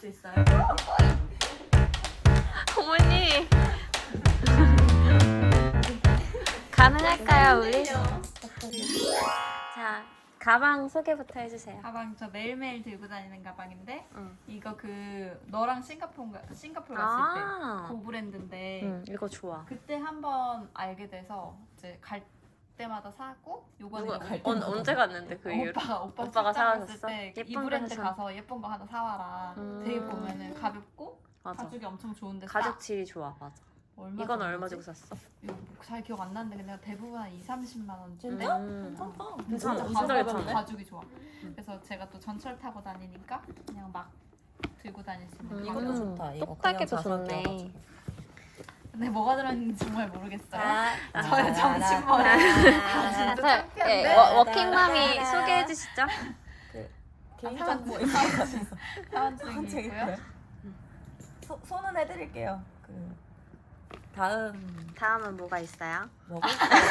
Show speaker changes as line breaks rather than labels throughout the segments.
수 있어요?
어머니 가능할까요 우리? 자 가방 소개부터 해주세요.
가방 저 매일매일 들고 다니는 가방인데
응.
이거 그 너랑 싱가포르 갔을 때
아,
그 브랜드인데
응 이거 좋아.
그때 한번 알게 돼서 이제 갈 때마다 사고 요번에
언제 갔는데 그 이후로?
오빠가
오빠가
출장 갔을
사줬어?
때 이
예쁜 거
브랜드
사줬어?
가서 예쁜 거 하나 사와라. 되게 보면은 가볍고
맞아.
가죽이 엄청 좋은데
가죽 질이 좋아 맞아.
얼마
이건 얼마
정도지?
주고 샀어?
이거 잘 기억 안 나는데 그냥 대부분 한 2,30만 원쯤.
진짜?
괜찮다.
진짜
진짜 괜찮네.
가죽이 좋아. 그래서 제가 또 전철 타고 다니니까 그냥 막 들고 다닐 수 있는.
이것도 좋다. 이거
똑딱이도
그냥 자석이어가지고.
좋네.
근데 뭐가 들어있는지 정말 모르겠어요.
아,
저의 정신머리. 진짜
자,
창피한데.
예, 워킹맘이 소개해 주시죠.
개인
사원
정보
사원증이 있고요.
손은 해드릴게요. 그 다음
다음은 뭐가 있어요?
먹을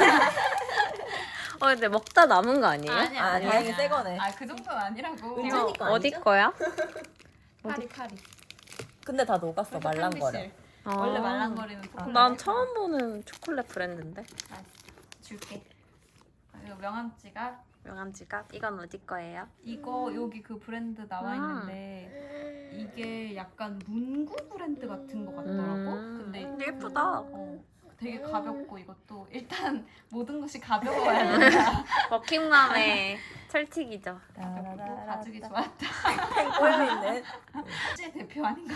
근데 먹다 남은 거 아니에요?
아, 다행히 새 거네.
그 정도는 아니라고.
은진이
이거
거
어디
아니죠?
거야?
파리.
근데 다 녹았어 말랑거려.
원래 말랑거리는 초콜릿.
난 처음 보는 초콜릿 브랜드인데.
줄게. 이거 명함 지갑.
명함 지갑. 이건 어디 거예요?
이거 여기 그 브랜드 나와 있는데 이게 약간 문구 브랜드 같은 거 같더라고. 근데
근데 예쁘다.
되게 가볍고 이것도 일단 모든 것이 가벼워야 된다.
워킹맘의 철칙이죠.
가볍고 가죽이 좋았다.
팽 꼬여있네.
실제 대표 아닌가?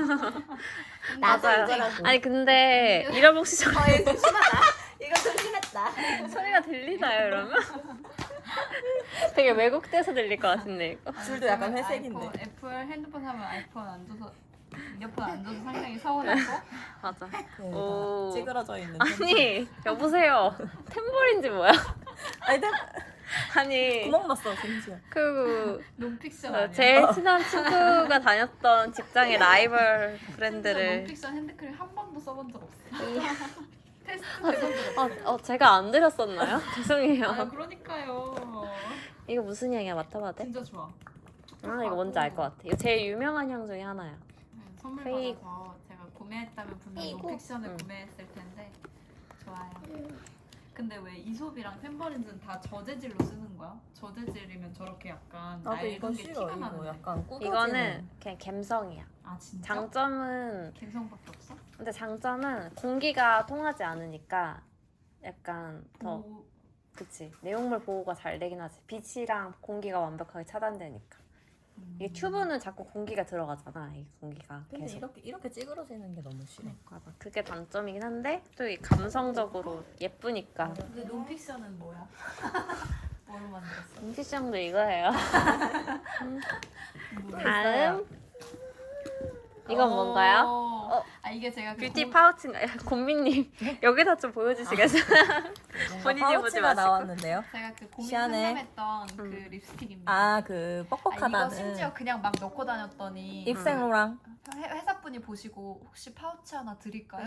맞아요. 아니 근데 이런 혹시
이거 좀 심했다.
소리가 들리나요 이러면? 되게 왜곡돼서 들릴 것 같은데 이거.
줄도 약간 회색인데.
애플 핸드폰 사면 아이폰 안 줘서 이어폰 안 줘서 상당히 서운하고.
맞아.
그
오.
다 찌그러져 있는.
아니 여보세요. 템버린지 뭐야?
아니
아니
구멍 났어 심지어.
그
논픽션 아니야?
제일 친한 친구가 다녔던 직장의 라이벌
진짜
브랜드를
논픽션 핸드크림 한 번도 써본 적 없어. 테스트 해본 적 없어.
제가 안 드렸었나요? 죄송해요.
그러니까요.
이거 무슨 향이야? 맡아봐도 돼?
진짜 좋아.
이거 뭔지 알 것 같아. 이거 제일 유명한 향 중에 하나야.
선물
페이크.
받아서 제가 구매했다면 분명
페이크.
논픽션을
응.
구매했을 텐데 좋아요. 근데 왜 이솝이랑 펜버린즈는 다 저재질로 쓰는 거야? 저재질이면 저렇게 약간
나도 이거
낡은 게
싫어.
티가
이거
나는데.
약간 꾸겨지는.
이거는 그냥 감성이야.
아 진짜?
장점은
갬성밖에 없어?
근데 장점은 공기가 통하지 않으니까 약간 더
오,
그치 내용물 보호가 잘 되긴 하지. 빛이랑 공기가 완벽하게 차단되니까. 이게 튜브는 자꾸 공기가 들어가잖아. 이 공기가
근데
계속.
이렇게 찌그러지는 게 너무 싫어.
맞아. 그게 단점이긴 한데 또 이 감성적으로 예쁘니까.
근데 논픽션은 뭐야? 뭐로 만들었어?
인피션도 이거예요. 다음 이건 뭔가요?
이게 제가 그
뷰티 파우치인가요? 곰미님 여기다 좀 보여주시겠어요? 본인이 보지
파우치가
마시고.
나왔는데요.
제가 그 고민
시안에.
상담했던 그 립스틱입니다.
아 그
이거
뻑뻑하다는
심지어 그냥 막 넣고 다녔더니
입생로랑
회사분이 보시고 혹시 파우치 하나 드릴까요?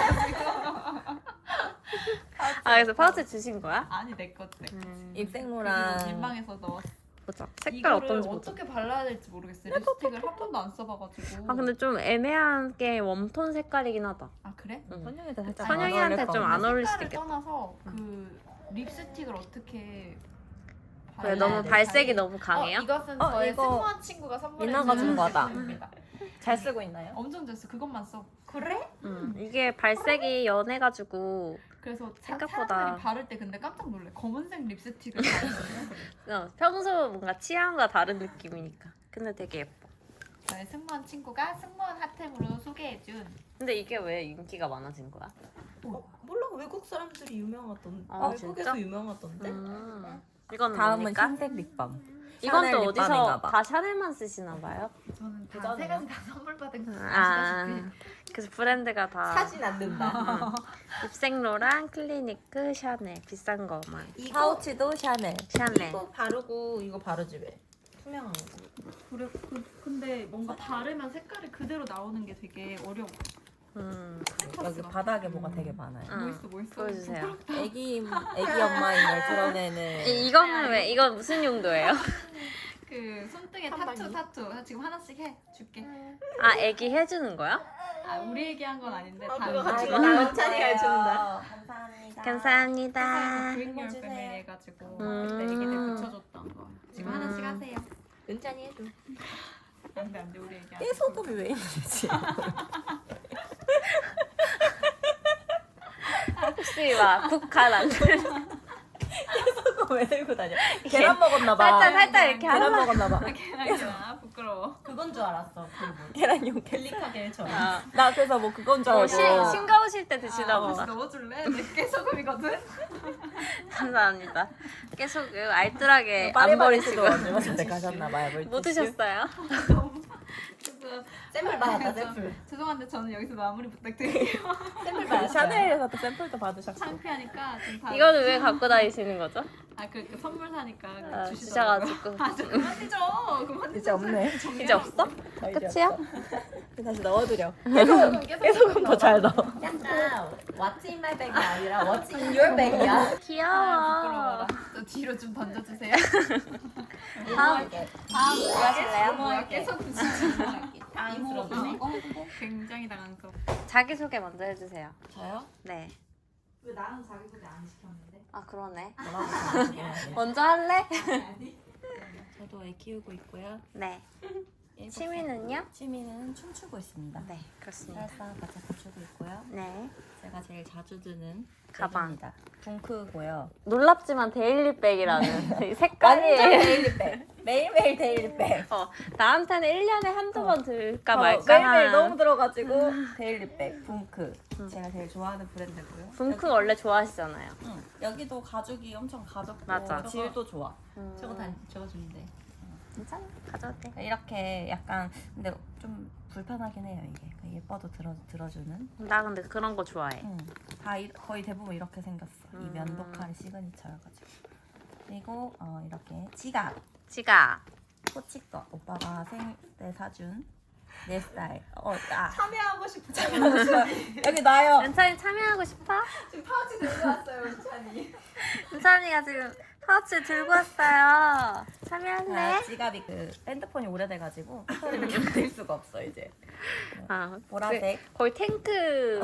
그래서 파우치 주신 거야?
아니 내 거.
입생로랑
민망해서 넣었어.
보자. 색깔
이거를
어떤지 보자.
어떻게 발라야 될지 모르겠어요. 립스틱을 한 번도 안 써봐가지고.
근데 좀 애매한 게 웜톤 색깔이긴 하다.
아 그래?
응.
선영이한테 살짝
선영이한테
안 어울릴 것
좀
같네.
안 어울릴 수도
색깔을
있겠다.
떠나서 그 립스틱을 어떻게
왜
발라야
너무
될지.
발색이 너무 강해요?
이것은
어,
저의
이거
승무원 친구가
민나가
선물해준
준 거다.
제품입니다.
잘 쓰고 있나요?
엄청 잘 써. 그것만 써. 그래?
이게 발색이 연해가지고
그래서
생각보다-
사람들이 바를 때 근데 깜짝 놀래. 검은색 립스틱을 바르는
평소 뭔가 취향과 다른 느낌이니까. 근데 되게 예뻐.
저의 승무원 친구가 승무원 핫템으로 소개해준.
근데 이게 왜 인기가 많아진 거야?
몰라 외국 사람들이 유명하던데
아,
외국에서
진짜?
유명하던데
이건
다음은
뭡니까?
흰색 립밤.
이건
샤넬
또
립밤인가
어디서
봐.
다 샤넬만 쓰시나 봐요?
저는 다
그전에요?
세 가지 다 선물 받은 거
아,
아시다시피.
그래서 브랜드가 다
사진 안 든다
립생로랑 클리니크, 샤넬 비싼 거만.
이거
파우치도 샤넬.
샤넬.
이거 바르고 이거 바르지 왜 투명한 거
그래, 근데 뭔가 바르면 색깔이 그대로 나오는 게 되게 어려워.
여기 바닥에 뭐가 되게 많아요.
응.
뭐 있어?
보여주세요.
애기 엄마임을 드러내는
이거는 왜? 이건 무슨 용도예요?
그 손등에
한방이?
타투 지금 하나씩 해 줄게.
아 애기 해주는 거야?
아 우리 얘기한 건 아닌데
그거
다른
같이
거.
나 은찬이가 해준다.
감사합니다.
감사합니다.
Bring Your
주세요.
Family 해가지고 그때 애기들 붙여줬던 거. 지금 하나씩 하세요.
은찬이 해줘.
안돼 우리 얘기.
깨소금이 왜 있는지.
혹시 막 국간 안 들?
깨소금 왜 들고 다녀? 계란 먹었나 봐.
살짝 이렇게
계란
하나.
먹었나 봐.
계란이야 부끄러워.
그건 줄 알았어. 그리고
계란용
클릭하게처럼.
아,
나 그래서 뭐 그건 줄 알고.
싱거우실 때
아,
드시라고.
혹시 넣어줄래? 내 깨소금이거든.
감사합니다. 계속 알뜰하게 안
파리바리스도
버리시고.
얼마 전에 가셨나 봐요.
뭐 드셨어요?
그래서
샘플 받았다
그래서
샘플.
죄송한데 저는 여기서 마무리 부탁드릴게요.
샘플
그
받았다.
샤넬에서 또 샘플도 받으셨고.
창피하니까 좀 다.
이거는 왜 갖고 다니시는 거죠?
아그 선물 사니까
아,
주시더라고요.
주셔가지고.
아저 그만 뒤져. 그만
이제 없네.
이제 없어?
더 이제
끝이야?
없어. 다시 넣어드려.
깨소금
더 잘 넣어.
약간 What's in my bag이 아니라 What's in your bag이야.
귀여워.
부끄러워라. 저 뒤로 좀 던져주세요.
다음
다음
뭐 하실래요?
뭐야 깨소금 진짜.
당황스럽네.
굉장히 당황스럽.
자기 소개 먼저 해주세요.
저요?
네.
왜 나는 자기소개 안 시켰는데?
아 그러네.
뭐라고 생각해요?
먼저 할래?
저도 애 키우고 있고요.
네. 취미는요?
취미는 춤추고 있습니다.
네 그렇습니다.
살사 바차코 추고 있고요.
네.
제가 제일 자주 드는
가방.
백입니다. 붕크고요.
놀랍지만 데일리백이라는 이
완전
색깔이
데일리백. 매일매일 데일리백.
나한테는 1년에 한두 번 들까
어,
말까
매일매일
한
너무 들어가지고 데일리백 붕크. 제가 제일 좋아하는 브랜드고요.
붕크 원래 좋아하시잖아요.
응. 여기도 가죽이 엄청 가볍고
맞아.
질도 좋아.
저거 다 저거 주는데.
괜찮아. 가져도 돼.
이렇게 약간 근데 좀 불편하긴 해요 이게. 예뻐도 들어주는.
나 근데 그런 거 좋아해.
응. 다 거의 대부분 이렇게 생겼어. 이 면도칼이 시그니처여가지고. 그리고 이렇게 지갑.
지가
코치거 오빠가 생일 때 사준 내 스타일.
참여하고 싶어.
여기 나요.
은찬이 참여하고 싶어?
지금 파우치 들고 왔어요 은찬이.
은찬이가 지금 파우치 들고 왔어요. 참여할래?
지갑이 그 핸드폰이 오래돼가지고 배터리를 견딜 수가 없어 이제.
아
보라색.
거의 탱크.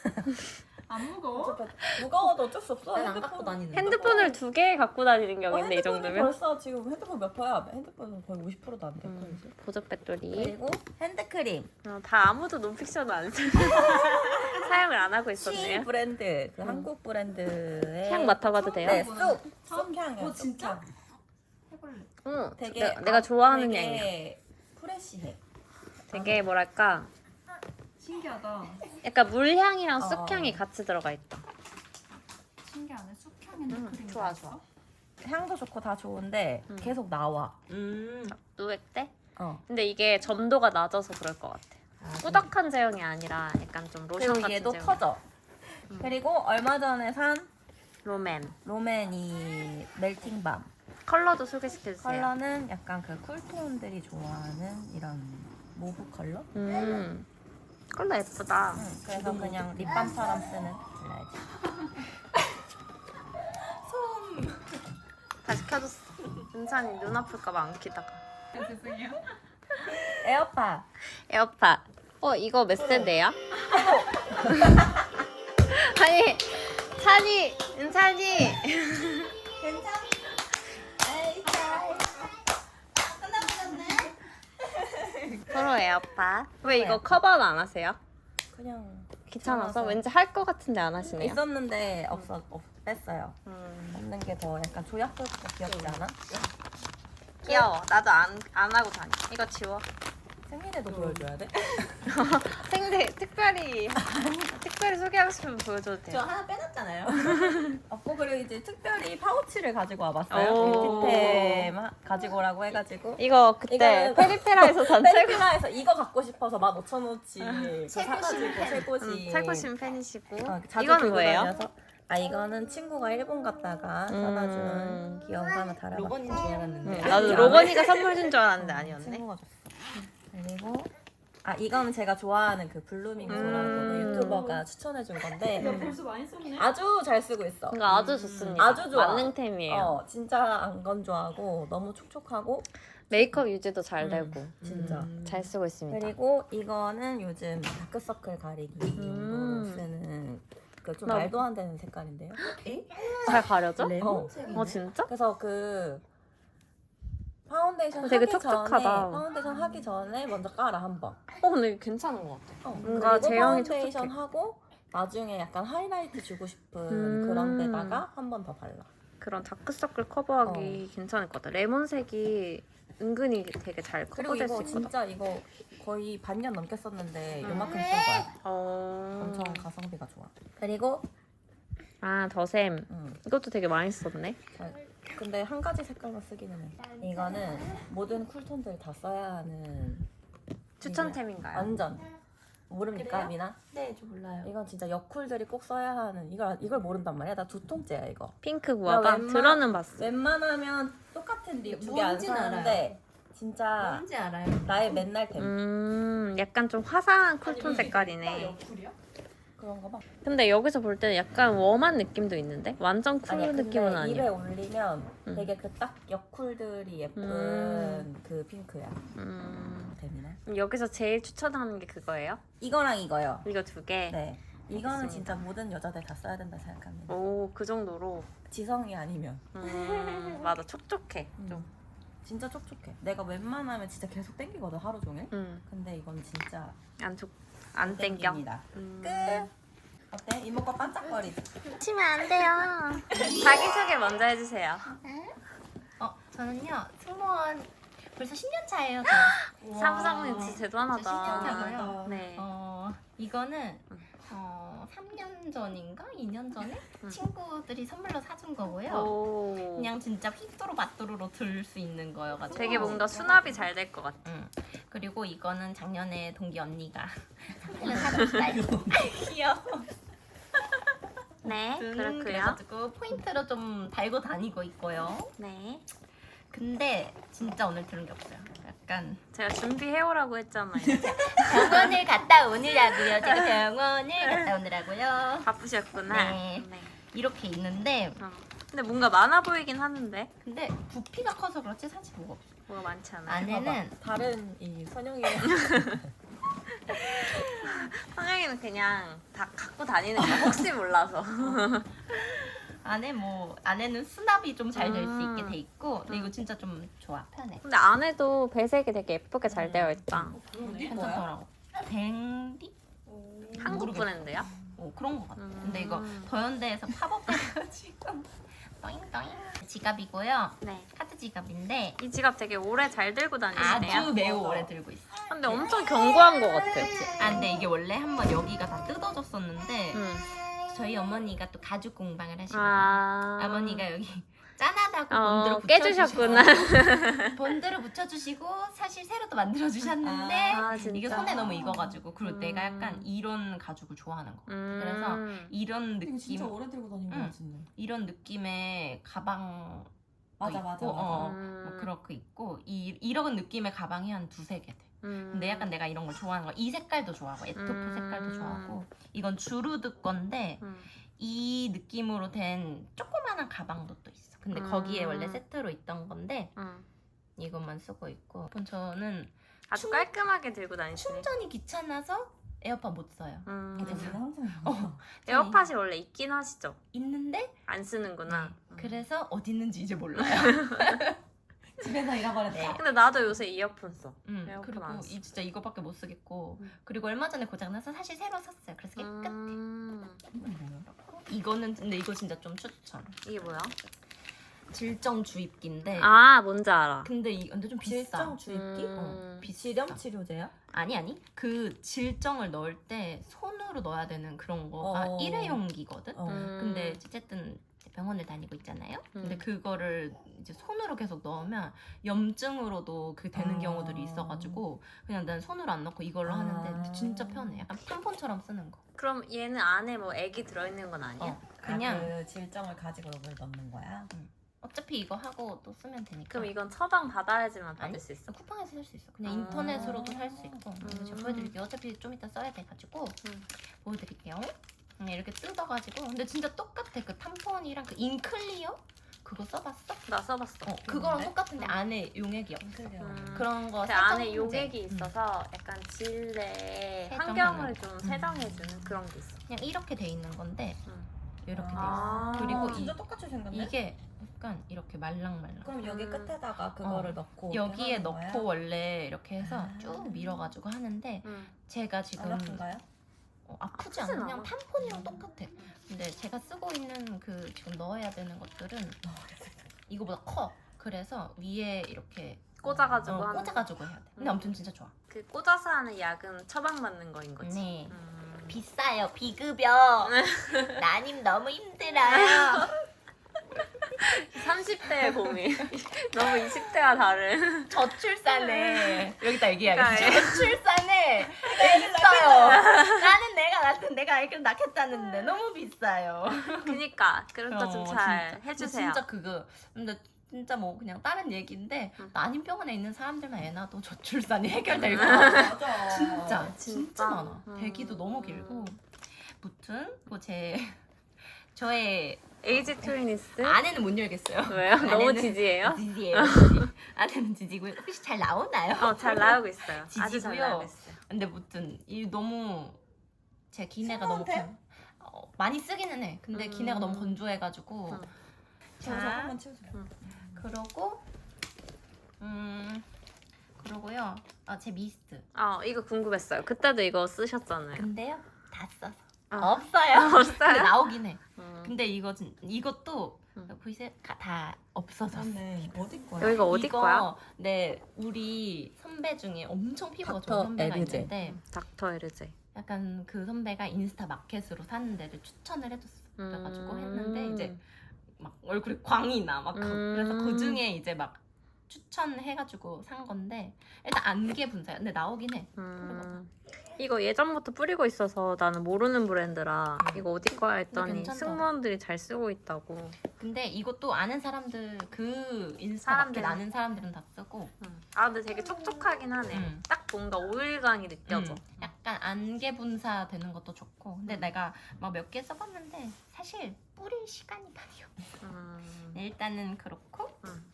안 무거워?
무거워도 어쩔 수 없어.
난안 갖고 다니는데.
핸드폰을 2개 갖고 다니는 격인데 이
핸드폰이
정도면.
벌써 지금 핸드폰 몇 퍼야? 핸드폰은 거의 50%도 안 됐고 이제.
보조 배터리.
그리고 핸드크림.
다 아무도 논픽션을 안 써. 사용을 안 하고
시
있었네요.
브랜드 그 한국 브랜드의
향 맡아봐도 돼요?
네, 쑥향이요.
진짜? 해볼래.
응.
되게
내가 좋아하는
되게
향이야.
프레시해.
되게 뭐랄까
신기하다.
약간 물향이랑
어.
쑥향이 같이 들어가 있다.
신기하네. 쑥향 핸드크림.
좋아, 좋아.
향도 좋고 다 좋은데 계속 나와.
누액 때?
어.
근데 이게 점도가 낮아서 그럴 것 같아. 꾸덕한 제형이 아니라 약간 좀 로션
그리고
같은
얘도
제형.
터져. 그리고 얼마 전에 산
롬앤.
롬앤이 멜팅밤.
컬러도 소개시켜주세요.
컬러는 약간 그 쿨톤들이 좋아하는 이런 모브 컬러?
컬러 예쁘다.
그래서 그냥 립밤처럼 쓰는 블라이즈.
다시 켜줬어. 은찬이 눈 아플까봐 안 키다가.
죄송해요.
에어팟.
에어팟. 이거 몇 세대야? 아니, 찬이, 은찬이.
괜찮아?
서로 에어팟. 왜 이거 커버는 안 하세요?
그냥
귀찮아서?
귀찮아서.
왠지 할 것 같은데 안 하시네요.
있었는데 뺐어요. 없는 게 더 약간 조약돌 귀엽지 않아?
귀여워. 나도 안 하고 다녀. 이거 지워.
생일에도 보여줘야 돼?
생대 특별히 소개하고 싶으면 보여줘도
저
돼요.
하나 빼놨잖아요.
없고 그리고 이제 특별히 파우치를 가지고 와봤어요.
오.
뷰티템 가지고 오라고 해가지고
이거 그때
이거는-
페리페라에서 산 최고
셀피라에서 이거 갖고 싶어서 15,000원치 사가지고 최고지.
최고신 팬이시고.
자주
이건
들고
뭐예요?
다녀서. 이거는 친구가 일본 갔다가 사다 준 귀여운 거 하나 달아봤어.
로건인 줄 알았는데.
나도 로건이가 선물 준 줄 알았는데 아니었네.
친구가 줬어. 그리고 이거는 제가 좋아하는 그 블루밍소라고 그 유튜버가 추천해준 건데
벌써 많이 썼네.
아주 잘 쓰고 있어.
이거 아주 좋습니다.
아주 좋아.
만능템이에요.
진짜 안 건조하고 너무 촉촉하고
메이크업 유지도 잘 되고
진짜.
잘 쓰고 있습니다.
그리고 이거는 요즘 다크서클 가리기 용도로 쓰는 그 좀
나-
말도 안 되는 색깔인데요.
잘 가려져?
레몬색이네.
어 진짜?
그래서 그 파운데이션
되게
하기
촉촉하다.
전에 파운데이션 하기 전에 먼저 깔아 한 번.
근데 괜찮은 것 같아. 뭔가
그리고
제형이
파운데이션
촉촉해.
하고 나중에 약간 하이라이트 주고 싶은
음.
그런 데다가 한 번 더 발라.
그런 다크서클 커버하기 괜찮을 것 같아. 레몬색이 은근히 되게 잘
그리고
커버될 수
이거
있거든.
진짜 이거 거의 반년 넘게 썼는데
음.
요만큼 쓴 거야.
어...
엄청 가성비가 좋아. 그리고
아 더샘. 이것도 되게 많이 썼네.
근데 한 가지 색깔만 쓰기는 해. 이거는 모든 쿨톤들 다 써야 하는
추천템인가요?
완전 모릅니까
그래요?
미나?
네, 저 몰라요.
이건 진짜 여쿨들이 꼭 써야 하는 이걸 모른단 말이야. 나 2통째야 이거.
핑크 구아바
웬만-
들어는 봤어.
웬만하면 똑같은 립 두 개 안
뭔진
사는데 진짜
뭔지 알아요.
나의 맨날 템
약간 좀 화사한 쿨톤 색깔이네.
옆구리야?
그런 거 봐.
근데 여기서 볼 때는 약간 웜한 느낌도 있는데 완전 쿨
아니야, 근데
느낌은
입에
아니야.
올리면
음.
되게 그 딱 여쿨들이 예쁜 그 핑크야. 템이나.
여기서 제일 추천하는 게 그거예요?
이거랑 이거요.
이거 두 개.
네. 이거는
알겠습니다.
진짜 모든 여자들 다 써야 된다 생각합니다.
오, 그 정도로.
지성이 아니면
맞아, 촉촉해. 좀.
진짜 촉촉해. 내가 웬만하면 진짜 계속 땡기거든 하루 종일.
음,
근데 이건 진짜
안 땡겨.
땡깁니다. 끝. 어때? 이모가 반짝거리지?
치면 안 돼요. 자기소개 먼저 해주세요.
저는요 승무원 벌써 10년 차예요.
사부장님 진짜 대단하다.
신기하다고요?
네.
이거는 3년 전인가 2년 전에 친구들이 선물로 사준 거고요.
오.
그냥 진짜 휘뚜루마뚜루로 들 수 있는 거여가지고.
되게 뭔가 수납이 잘 될 것 같아.
그리고 이거는 작년에 동기 언니가 선물로 사줬어요. 귀여워.
네, 그렇고요.
그래가지고 포인트로 좀 달고 다니고 있고요.
네.
근데 진짜 오늘 들은 게 없어요. 약간
제가 준비해오라고 했잖아요.
병원을 갔다 오느라고요. 제가 병원을 갔다 오느라고요.
바쁘셨구나.
네. 이렇게 있는데
근데 뭔가 많아 보이긴 하는데
근데 부피가 커서 그렇지 사실 뭐가 없어.
뭐가 많지 않아요.
안에는
다른 이 선영이
성영이는 그냥 다 갖고 다니는 거야. 혹시 몰라서.
안에는 수납이 좀 잘 될 수 있게 돼 있고 근데 이거 진짜 좀 좋아 편해.
근데 안에도 배색이 되게 예쁘게 잘 되어 있다.
괜찮더라고. 댕디?
한국 브랜드야?
그런 거 같아. 근데 이거 더현대에서 팝업 해가지고 떠잉떠잉 지갑이고요.
네.
카드 지갑인데
이 지갑 되게 오래 잘 들고 다니시네요.
아주 매우 오래 들고 있어.
근데 엄청 견고한 것 같아.
근데 이게 원래 한번 여기가 다 뜯어졌었는데
응.
저희 어머니가 또 가죽 공방을 하시거든요. 어머니가 여기 짠하다고 본드로
깨주셨구나.
본드로 붙여주시고 사실 새로 또 만들어 주셨는데
아, 진짜?
이게 손에 너무 익어가지고 그리고 내가
음.
약간 이런 가죽을 좋아하는 거. 그래서 이런
이거 진짜
느낌,
오래 들고 다니는
응.
거 같은데.
이런 느낌의 가방
맞아,
있고,
맞아, 맞아.
뭐 그렇게 있고 이런 느낌의 가방이 한 두세 개 돼. 근데 약간 내가 이런 걸 좋아하는 거. 이 색깔도 좋아하고 에토프 색깔도 좋아하고 이건 주루드 건데 이 느낌으로 된 조그마한 가방도 또 있어. 근데 거기에 원래 세트로 있던 건데 이것만 쓰고 있고 저는
아주 깔끔하게 들고 다니시네.
충전이 귀찮아서 에어팟 못 써요.
근데
그래서
저는 항상
에어팟이 원래 있긴 하시죠?
있는데
안 쓰는구나.
그래서 어디 있는지 이제 몰라요.
집에서 잃어버렸다.
근데 나도 요새 이어폰 써. 에어팟
그리고
안 써.
진짜 이거밖에 못 쓰겠고 그리고 얼마 전에 고장나서 사실 새로 샀어요. 그래서 깨끗해. 이거는 근데 이거 진짜 좀 추천.
이게 뭐야?
질정 주입기인데
아, 뭔지 알아.
근데 좀 비싸.
질정 주입기? 비실염 치료제야?
아니 그 질정을 넣을 때 손으로 넣어야 되는 그런 거가 일회용기거든. 근데 어쨌든 병원을 다니고 있잖아요. 근데 그거를 이제 손으로 계속 넣으면 염증으로도 그 되는 경우들이 있어가지고 그냥 난 손으로 안 넣고 이걸로 하는데 진짜 편해. 약간 탐폰처럼 쓰는 거.
그럼 얘는 안에 뭐 액이 들어있는 건 아니야?
그냥
그 질정을 가지고 이걸 넣는 거야?
어차피 이거 하고 또 쓰면 되니까.
그럼 이건 처방 받아야지만 받을
아니,
수 있어?
쿠팡에서 살 수 있어. 그냥 인터넷으로도 살 수 있고. 제가 보여드릴게요. 어차피 좀 이따 써야 돼가지고 보여드릴게요. 그냥 이렇게 뜯어가지고 근데 진짜 똑같아. 그 탐폰이랑 그 인클리어 그거 써봤어?
나 써봤어.
그거랑 똑같은데 안에 용액이 없어. 그런 거
그
살짝
안에
홍제.
용액이 있어서 약간 질내
세정하는
환경을 좀 세정해주는 그런 게 있어.
그냥 이렇게 돼 있는 건데 이렇게 돼 있어.
아.
그리고
진짜 똑같이 생겼네.
이게 약간 이렇게 말랑말랑.
그럼 여기 끝에다가 그거를 넣고
여기에
이렇게 하는
넣고
거예요?
원래 이렇게 해서
아.
쭉 밀어가지고 하는데
응.
제가 지금
안 아픈가요?
아프지
아프진
않아. 그냥
않아.
탐폰이랑 똑같아. 근데 제가 쓰고 있는 그 지금 넣어야 되는 것들은 이거보다 커. 그래서 위에 이렇게
꽂아가지고 하는.
꽂아가지고 해야 돼. 근데 아무튼 진짜 좋아.
그 꽂아서 하는 약은 처방받는 거인 거지.
네.
음.
비싸요. 비급여. 나님 너무 힘들어요.
30대의 고민. 너무 20대와 다른.
저출산에 여기다 얘기해야겠지.
그러니까
저출산에 있어요. 나는 내가 아기를 낳겠다는데 너무 비싸요.
그니까 그런 거 좀 잘
진짜.
해주세요.
근데 진짜 그거 근데 진짜 뭐 그냥 다른 얘기인데
응.
난임병원에 있는 사람들만 애 낳아도 저출산이 해결될 거
맞아.
진짜
진짜?
많아. 대기도 너무 길고. 무튼 저의
에이지 트윈니스?
아내는 못 열겠어요.
왜요? 너무
아내는
지지해요?
지지예요. 지지. 아내는 지지고요. 혹시 잘 나오나요?
잘 나오고 있어요. 아주 잘
지지고요.
나오고 있어요.
근데 무튼 이 너무 제 기내가 너무
친구한테?
많이 쓰기는 해. 근데 기내가 너무 건조해가지고.
저
자,
한번 치워주세요.
그러고요. 제 미스트.
이거 궁금했어요. 그때도 이거 쓰셨잖아요.
근데요 다 써서
아.
없어요.
없어요?
근데 나오긴 해.
음.
근데 이것도 보이세요? 다 없어졌어.
맞네. 어디 거야?
여기가 어디
이거,
거야?
네, 우리 선배 중에 엄청 피부가
닥터
좋은 선배가
에르제.
있는데
닥터 에르제.
약간 그 선배가 인스타 마켓으로 사는 데를 추천을 해줬어. 그래가지고 했는데 이제 막 얼굴에 광이 나. 막 그래서 그 중에 이제 막 추천해가지고 산 건데 일단 안개 분사야. 근데 나오긴 해.
이거 예전부터 뿌리고 있어서 나는 모르는 브랜드라 이거 어디 거야 했더니
괜찮다.
승무원들이 잘 쓰고 있다고.
근데 이것도 아는 사람들 그 인스타
사람들은.
마켓 아는 사람들은 다 쓰고
근데 되게 촉촉하긴 하네. 딱 뭔가 오일감이 느껴져.
약간 안개 분사 되는 것도 좋고 근데 내가 막 몇 개 써봤는데 사실 뿌릴 시간이 많이 없어. 네, 일단은 그렇고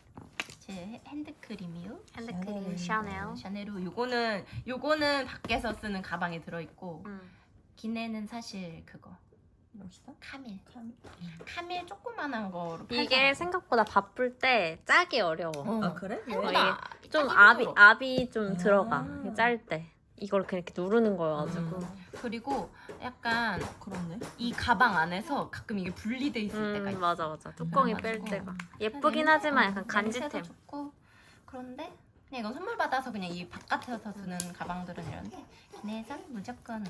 제 핸드크림이요.
핸드크림 샤넬.
샤넬로 요거는 밖에서 쓰는 가방에 들어있고 기내는 사실 그거
멋있어?
카밀 조그만한 거로
이게
팔더라고.
생각보다 바쁠 때 짜기 어려워.
아 그래? 왜?
생각보다
좀
짜기 힘들어.
압이 좀 들어가. 짤 때. 이걸 이렇게 누르는 거여가지고.
그리고 약간
그렇네.
이 가방 안에서 가끔 이게 분리돼 있을 때가 있어.
맞아. 뚜껑이 뺄
그래가지고.
때가. 예쁘긴 하지만 약간
냄새도
간지템.
좋고 그런데 그냥 이건 선물 받아서 그냥 이 바깥에서 두는 가방들은 이런데 기내에선 무조건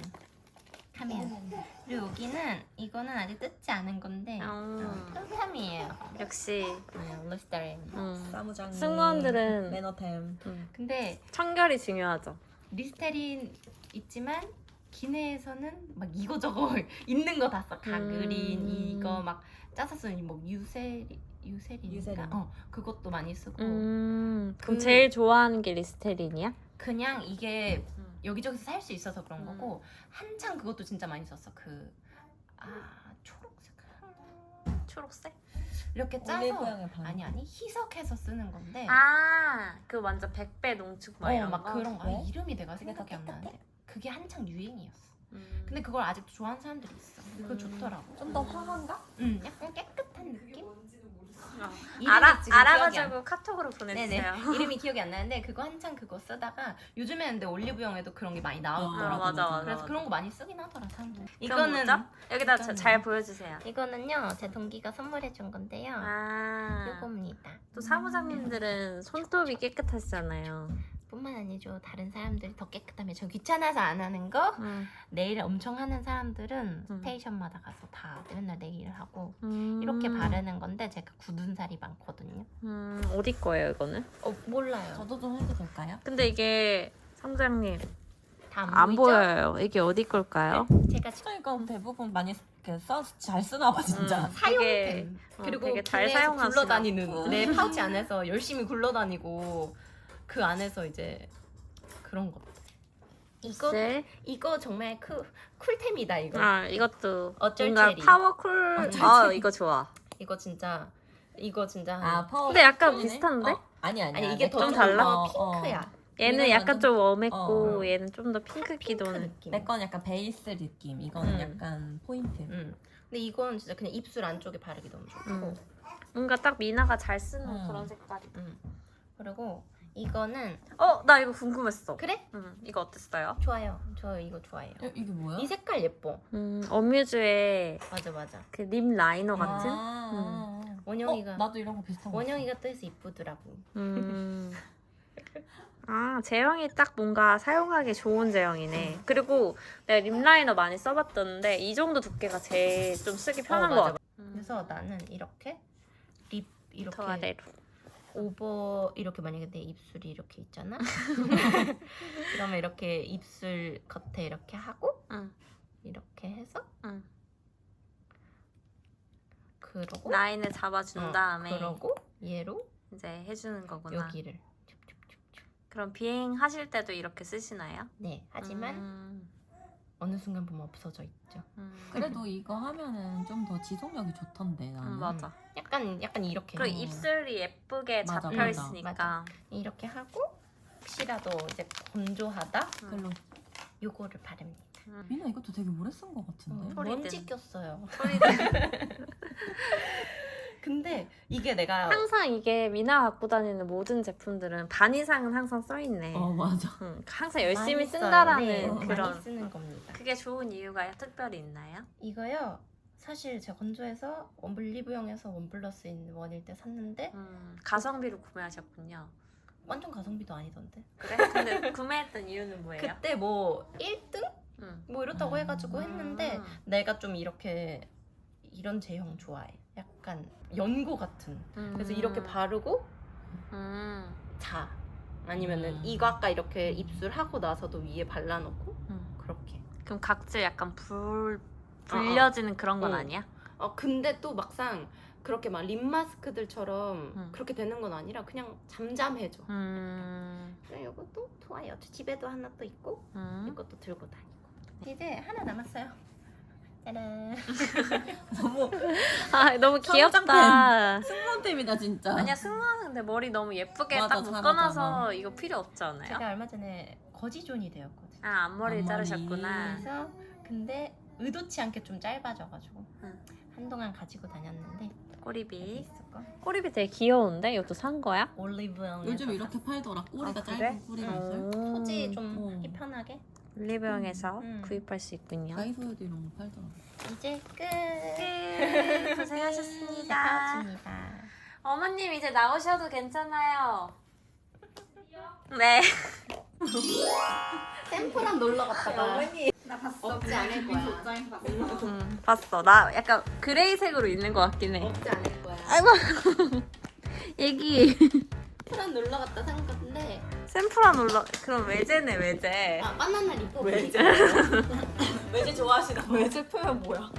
하면 그리고 여기는 이거는 아직 뜯지 않은 건데 탐탐이에요.
역시
루스타임.
사무장.
승무원들은
매너템.
근데
청결이 중요하죠.
리스테린 있지만 기내에서는 막 이거저거 있는 거 다 써. 가그린 이거 막 짜서 쓰는 뭐 유세린인가?
유세린.
그것도 많이 쓰고
그럼 제일 좋아하는 게 리스테린이야?
그냥 이게 여기저기서 살 수 있어서 그런 거고 한창 그것도 진짜 많이 썼어. 초록색
초록색?
이렇게 짜서
올리브영에 반.
아니 희석해서 쓰는 건데
그 완전 100배 농축 막 이런
막
거?
그런 거
왜?
이름이 내가
그게
생각이
다
안
똑같아?
나는데 그게 한창 유행이었어. 근데 그걸 아직도 좋아하는 사람들이 있어. 그거 좋더라고.
좀 더 화한가?
약간 깨끗한 느낌? 이름이 지금 기억이
알아가지고 카톡으로 보내주세요.
네네. 이름이 기억이 안 나는데 그거 한창 그거 쓰다가 요즘에는 근데 올리브영에도 그런 게 많이 나오더라고.
맞아.
그래서 그런 거 많이 쓰긴 하더라 사람들.
그럼 뭐죠? 여기다
이거는-
잘 보여주세요.
이거는요 제 동기가 선물해 준 건데요. 요겁니다.
또 사무장님들은 손톱이 깨끗하시잖아요.
뿐만 아니죠. 다른 사람들이 더 깨끗하면 저 귀찮아서 안 하는 거 네일 엄청 하는 사람들은 스테이션마다 가서 다 맨날 네일을 하고 이렇게 바르는 건데 제가 굳은 살이 많거든요.
어디 거예요 이거는?
몰라요.
저도 좀 해도 될까요?
근데 이게 사무장님
다
안 보여요. 이게 어디 걸까요?
제가
그러니까 대부분 많이 잘 쓰나 봐 진짜.
사용템 그리고
되게 잘
기내에서
사용하시나
굴러다니는
보다.
내 파우치 안에서 열심히 굴러다니고 그 안에서 이제 그런 것. 이거 정말 쿨템이다 이거.
이것도
어쩔
뭔가
체리.
파워쿨. 이거 좋아.
이거 진짜 이거 진짜
아 파워.
근데 약간
톤이네?
비슷한데?
아니
아니 이게 더
좀 달라?
핑크야.
얘는
이건
약간
완전-
좀 웜했고
어.
얘는 좀 더 핑크
핑크
기도는.
느낌.
내 건 약간 베이스 느낌. 이거는
음.
약간 포인트.
근데 이건 진짜 그냥 입술 안쪽에 바르기 너무 좋고.
뭔가 딱 미나가 잘 쓰는
음.
그런 색깔이.
그리고 이거는
나 이거 궁금했어.
그래?
이거 어땠어요?
좋아요. 저 이거 좋아해요.
이게 뭐야?
이 색깔 예뻐.
어뮤즈의
맞아.
그 립 라이너 같은?
원영이가
나도 이런 거 비슷한 거.
원영이가 떠서 이쁘더라고.
아, 제형이 딱 뭔가 사용하기 좋은 제형이네. 그리고 내가 립 라이너 많이 써봤던데 이 정도 두께가 제일 좀 쓰기 편한 것
맞아.
같아.
그래서 나는 이렇게 립 이렇게
더 아래로.
오버 이렇게 만약에 내 입술이 이렇게 있잖아. 그러면 이렇게 입술 겉에 이렇게 하고
응.
이렇게 해서
응.
그러고
라인을 잡아준 다음에
그러고 얘로
이제 해주는 거구나.
여기를
그럼 비행하실 때도 이렇게 쓰시나요?
네 하지만 어느 순간 보면 없어져 있죠.
그래도 이거 하면은 좀 더 지속력이 좋던데 나는.
맞아.
약간 이렇게
그리고 입술이 예쁘게
맞아,
잡혀
맞아.
있으니까.
맞아. 이렇게 하고 혹시라도 이제 건조하다
별로.
요거를 바릅니다.
미나 이것도 되게 오래 쓴 거 같은데.
소리든.
먼지 꼈어요.
소리든.
근데 이게 내가
항상 이게 미나 갖고 다니는 모든 제품들은 반 이상은 항상 써있네.
맞아.
항상 열심히
많이 써요.
쓴다라는
네,
그런.
많이 쓰는 겁니다.
그게 좋은 이유가 특별히 있나요?
이거요. 사실 제가 건조해서 올리브영에서 원플러스 있는 원일 때 샀는데
가성비로 구매하셨군요.
완전 가성비도 아니던데.
그래? 근데 구매했던 이유는 뭐예요?
그때 뭐 1등? 뭐 이렇다고 해가지고
음.
했는데 내가 좀 이렇게 이런 제형 좋아해. 약간 연고 같은. 그래서 이렇게 바르고 자. 아니면은 이거 아까 이렇게 입술 하고 나서도 위에 발라놓고 그렇게.
그럼 각질 약간 불려지는 그런 건
어.
아니야?
근데 또 막상 그렇게 막 립 마스크들처럼 그렇게 되는 건 아니라 그냥 잠잠해져. 그래, 이것도 좋아요. 저 집에도 하나 또 있고 이것도 들고 다니고. 이제 하나 남았어요. 짜란.
너무 귀엽다.
승무원템이다 진짜.
아니야 승무원 근데 머리 너무 예쁘게
맞아,
딱
잘하잖아.
묶어놔서 이거 필요 없지 않아요?
제가 얼마 전에 거지존이 되었거든요.
앞머리를
앞머리.
자르셨구나.
그래서 근데 의도치 않게 좀 짧아져가지고
응.
한동안 가지고 다녔는데
꼬리빗.
있을까?
꼬리빗 되게 귀여운데? 이것도 산 거야?
올리브영에서
요즘 이렇게 팔더라. 꼬리가
아, 그래?
짧은 꼬리빗을.
소지 좀
어.
하기 편하게.
올리브영에서
음.
구입할 수 있군요.
다이소에도 이런 거 팔더라.
이제 끝.
고생하셨습니다.
고맙습니다.
어머님 이제 나오셔도 괜찮아요. 네.
샘플한 놀러 갔다가
나 봤어.
없지 않을 거야.
봤어. 나 약간 그레이색으로 있는 것 같긴 해.
없지 않을 거야.
아이고. 얘기.
샘플한 놀러 갔다 산 건데
샘플한 올라. 그럼 외제네 외제.
바나나 리포
외제 좋아하시나 봐. 외제 표현 뭐야?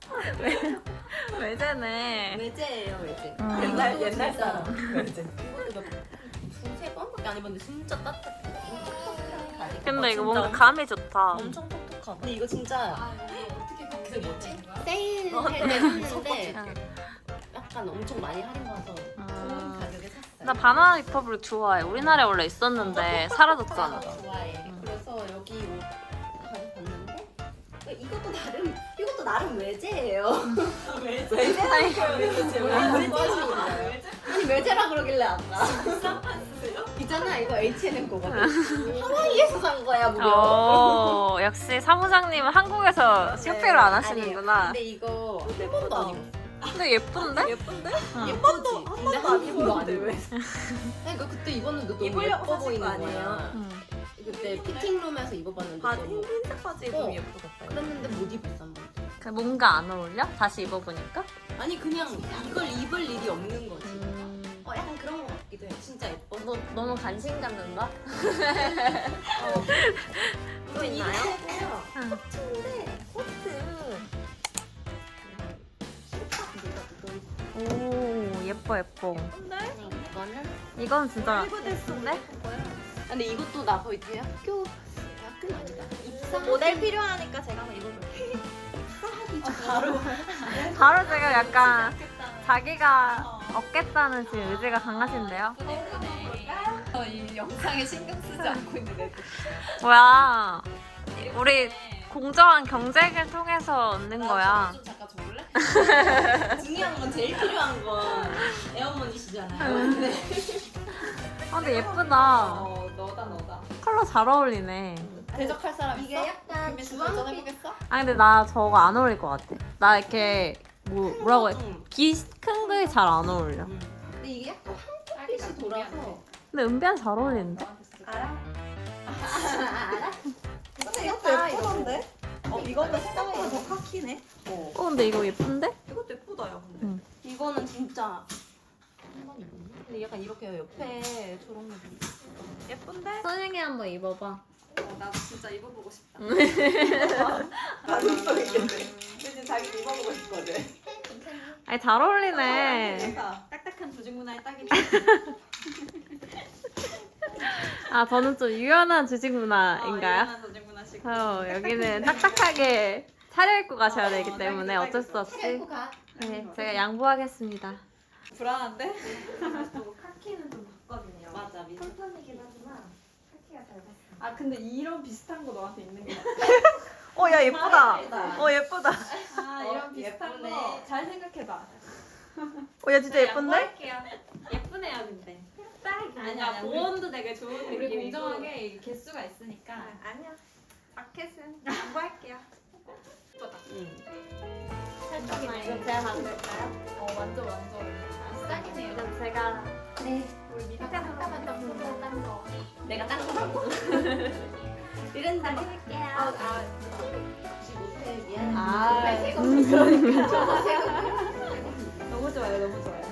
외제네.
외제예요 외제.
옛날 사람. 외제.
이것도 두세 번밖에 안 입었는데 진짜 따뜻해.
근데 이거 뭔가 감이 좋다.
엄청 톡톡하다. 근데 이거 진짜
어떻게
그 뭐지? 세일할 때 샀는데 약간 엄청 많이 할인 받아서 좋은 가격에 샀어요.
나 바나나 리퍼블릭 좋아해. 우리나라에 원래 있었는데 사라졌잖아.
좋아해. 그래서 여기 옷 가져봤는데 이것도 나름 외제예요.
외제라는 표현이 도대체 왜?
아니 외제라 그러길래 아까. 있잖아 이거 H&M 거거든. 하와이에서 산 거야 무려.
역시 사무장님은 한국에서 쇼핑을 안 하시는구나.
근데 이거 한 번도 안 입었어.
근데 예쁜데?
예쁜데?
응.
예쁘지? 근데 한 입도 안 입었어. 그러니까 그때 입었는데 너무
입으려고
예뻐
사신
보이는
거 아니에요?
거야. 그때 피팅룸에서 입어봤는데 너무
흰색 바지
입으면
예쁘겠다.
그랬는데 못 입었어 한 번.
그 뭔가 안 어울려? 다시 입어보니까?
아니 그냥 이걸 입을 일이 없는 거지. 약간 그런 거 같기도 해. 진짜 예뻐.
너 너무 관심 갖는다?
또 있나요?
응.
코트인데 코트.
오 예뻐 예뻐.
이거는
이건 진짜 예쁜데?
근데 이것도 나 거의 대학교는 아니다. 입사
모델 필요하니까 제가 한번 입어볼게요.
바로 제가 약간 자기가 얻겠다는 지금 의지가 강하신데요?
이 영상에 신경 쓰지 않고 있는 애들.
뭐야? 우리 공정한 경쟁을 통해서 얻는 거야.
좀 잠깐 줘볼래? 중요한 건 제일 필요한 건 애어머니시잖아요.
아, 근데 예쁘다.
너다.
컬러 잘 어울리네.
대적할 사람 있어?
이게 약간
김민수
주황빛.
도전해보겠어?
아 근데 나 저거 안 어울릴 것 같아. 나 이렇게 뭐라고 해? 큰 그게 잘 안 어울려.
근데 이게 약간 황토빛이 돌아서.
근데 은비한 잘 어울리는데?
알아?
근데 이것도 예쁘던데? 이거는 생각보다 더 카키네.
근데 이거 예쁜데?
이것도 예쁘다 야 근데.
이거는 진짜 근데 약간 이렇게 옆에 저런 거
예쁜데?
선영이 한번 입어봐.
나 진짜 입어보고 싶다.
가슴 속에 있겠네. 근데 자기 입어보고 싶거든.
아니 잘 어울리네.
딱딱한 조직 문화에 딱이지.
아 저는 좀 유연한 주식 문화인가요?
유연한 조직 문화식.
여기는 딱딱하게 차려입고 가셔야 되기 때문에 어쩔 수 없이
차려입고 가.
네, 제가 양보하겠습니다.
불안한데?
카키는 좀 봤거든요.
맞아, 미안.
톤톤이긴 하지만 카키가 잘 봤어.
아 근데 이런 비슷한 거 너한테 있는 게
야 예쁘다.
예쁘다.
예쁘다.
아 이런 비슷한
예쁘네.
거 잘 생각해봐.
야 진짜 예쁜데?
양보할게요. 예쁘네요 근데.
아니야,
보온도 되게 좋은
우리
느낌이고
공정하게
개수가 있으니까.
아니야. 자켓은 양보할게요.
잠깐만 이거 제가 만들까요?
완전.
싹이네요.
그럼 제가
네.
우리 미리
잠깐만 딱 보고 딴 거.
내가 딴 거라고.
이런 데
해볼게요.
혹시 못해 미안.
아.
새거 그러니까.
너무 좋아요.